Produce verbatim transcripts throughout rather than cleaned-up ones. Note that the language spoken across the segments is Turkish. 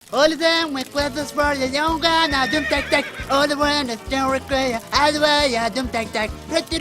All of them with weapons for the young gun, I dum tak tak. All the one that's still require, I the way, I dum tak tak.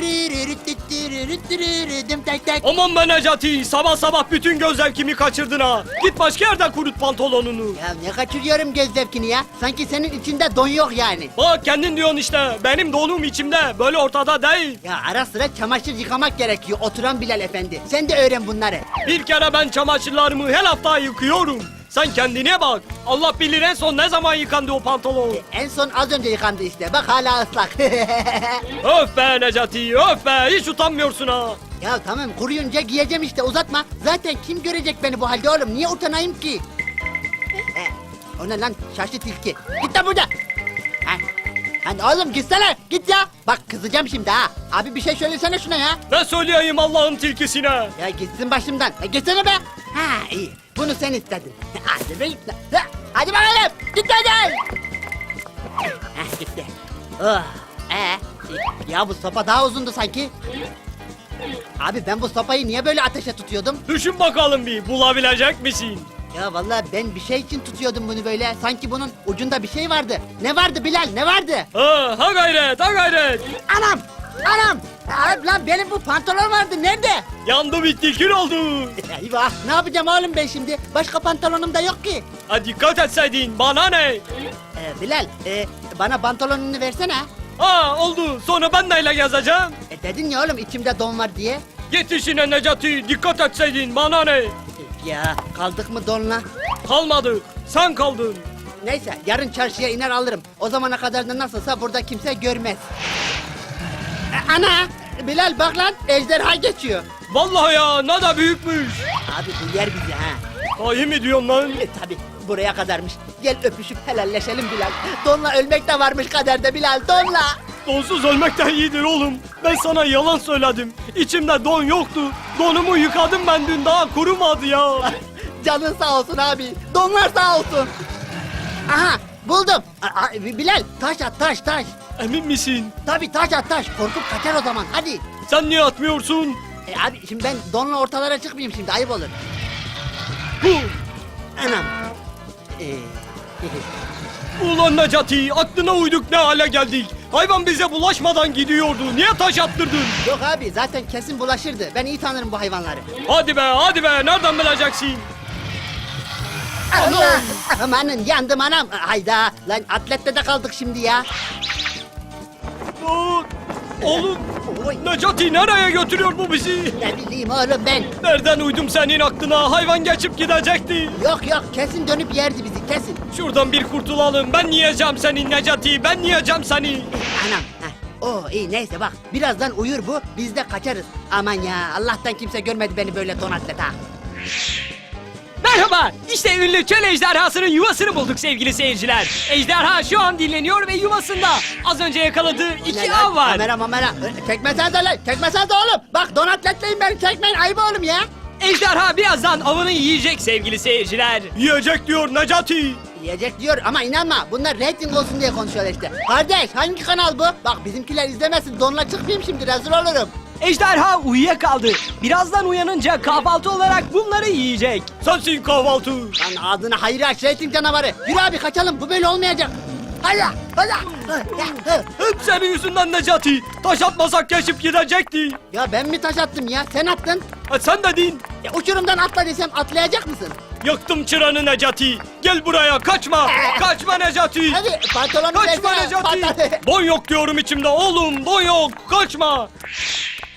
Dum tak tak. Aman be Necati, sabah sabah bütün göz zevkimi kaçırdın ha. Git başka yerden kurut pantolonunu. Ya ne kaçırıyorum göz zevkini ya? Sanki senin içinde don yok yani. Bak kendin diyorsun işte, benim donum içimde, böyle ortada değil. Ya ara sıra çamaşır yıkamak gerekiyor oturan Bilal Efendi. Sen de öğren bunları. Bir kere ben çamaşırlarımı her hafta yıkıyorum. Sen kendine bak. Allah bilir en son ne zaman yıkandı o pantolon. En son az önce yıkandı işte. Bak hala ıslak. Öf be Necati, öf be. Hiç utanmıyorsun ha. Ya tamam kuruyunca giyeceğim işte uzatma. Zaten kim görecek beni bu halde oğlum? Niye utanayım ki? He, o ne lan şaşlı tilki. Git lan burada. Ha. Hani oğlum gitsene git ya. Bak kızacağım şimdi ha. Abi bir şey söylesene şuna ya. Ne söyleyeyim Allah'ın tilkisine? Ya gitsin başımdan. Ya gitsene be. Ha iyi. Bunu sen istedin. Hadi be git lan. Ha, hadi bakalım. Git hadi. Heh gitti. Oh. Ee, ya bu sopa daha uzundu sanki. Abi ben bu sopayı niye böyle ateşe tutuyordum? Düşün bakalım bir, bulabilecek misin? Ya vallahi ben bir şey için tutuyordum bunu böyle. Sanki bunun ucunda bir şey vardı. Ne vardı Bilal ne vardı? Ha, ha gayret, ha gayret. Anam! Anam! Abi lan benim bu pantolon vardı nerede? Yandı bitti, kül oldu. Eyvah ne yapacağım oğlum ben şimdi? Başka pantolonum da yok ki. Ha dikkat etseydin, bana ne? Ee, Bilal e, bana pantolonunu versene. Ha oldu, sonra ben neyle gezeceğim? E, dedin ya oğlum içimde don var diye. Git işine Necati, dikkat etseydin, bana ne? Ya kaldık mı donla? Kalmadık, sen kaldın. Neyse yarın çarşıya iner alırım. O zamana kadar da nasılsa burada kimse görmez. E, ana! Bilal bak lan ejderha geçiyor. Vallahi ya, ne da büyükmüş. Abi bu yer bizi ha. Sahi mi diyorsun lan? E, tabi buraya kadarmış. Gel öpüşüp helalleşelim Bilal. Donla ölmek de varmış kaderde Bilal donla. Donsuz ölmekten iyidir oğlum. Ben sana yalan söyledim. İçimde don yoktu. Donumu yıkadım ben dün, daha kurumadı ya. Canın sağ olsun abi. Donlar sağ olsun. Aha buldum. A- a- Bilal taş at taş taş. Emin misin? Tabi taş at taş. Korkup kaçar o zaman hadi. Sen niye atmıyorsun? E, abi şimdi ben donla ortalara çıkmayayım şimdi ayıp olur. Hu! Anam. Ee, Ulan Necati, aklına uyduk ne hale geldik. Hayvan bize bulaşmadan gidiyordu. Niye taş attırdın? Yok abi zaten kesin bulaşırdı. Ben iyi tanırım bu hayvanları. Hadi be, hadi be. Nereden bileceksin? Allah! Amanın yandım anam. Hayda. Lan atlette de kaldık şimdi ya. Aa, oğlum, Oy. Necati nereye götürüyor bu bizi? Ne bileyim oğlum ben. Nereden uydum senin aklına? Hayvan geçip gidecekti. Yok yok kesin dönüp yerdi bizi kesin. Şuradan bir kurtulalım. Ben yiyeceğim seni Necati. Ben yiyeceğim seni. Anam. Heh. Oo iyi neyse bak birazdan uyur bu biz de kaçarız. Aman ya Allah'tan kimse görmedi beni böyle don atlet ha. Merhaba, işte ünlü çöl ejderhasının yuvasını bulduk sevgili seyirciler. Ejderha şu an dinleniyor ve yuvasında. Az önce yakaladığı Ne iki lan? av var. Kamera mamera. Ö, Çekmesen de lan çekmesen de oğlum. Bak don atletleyin beni çekmeyin ayıp oğlum ya. Ejderha birazdan avını yiyecek sevgili seyirciler. Yiyecek diyor Necati. Yiyecek diyor ama inanma bunlar reyting olsun diye konuşuyorlar işte. Kardeş hangi kanal bu? Bak bizimkiler izlemesin donla çıkmayayım şimdi rezil olurum. Ejderha uyuyakaldı. Birazdan uyanınca kahvaltı olarak bunları yiyecek. Sensin kahvaltı. Lan ağzına hayır aç reyting canavarı. Yürü abi kaçalım bu böyle olmayacak. Hadi hadi. Hep senin yüzünden Necati. Taş atmasak geçip gidecekti. Ya ben mi taş attım ya sen attın. Ha, sen dedin. Ya uçurumdan atla desem atlayacak mısın? Yaktım çıranı Necati. Gel buraya, kaçma. Kaçma Necati. Hadi pantolonu Kaçma versene. Necati. Pantolon- Don yok diyorum içimde oğlum, don yok. Kaçma.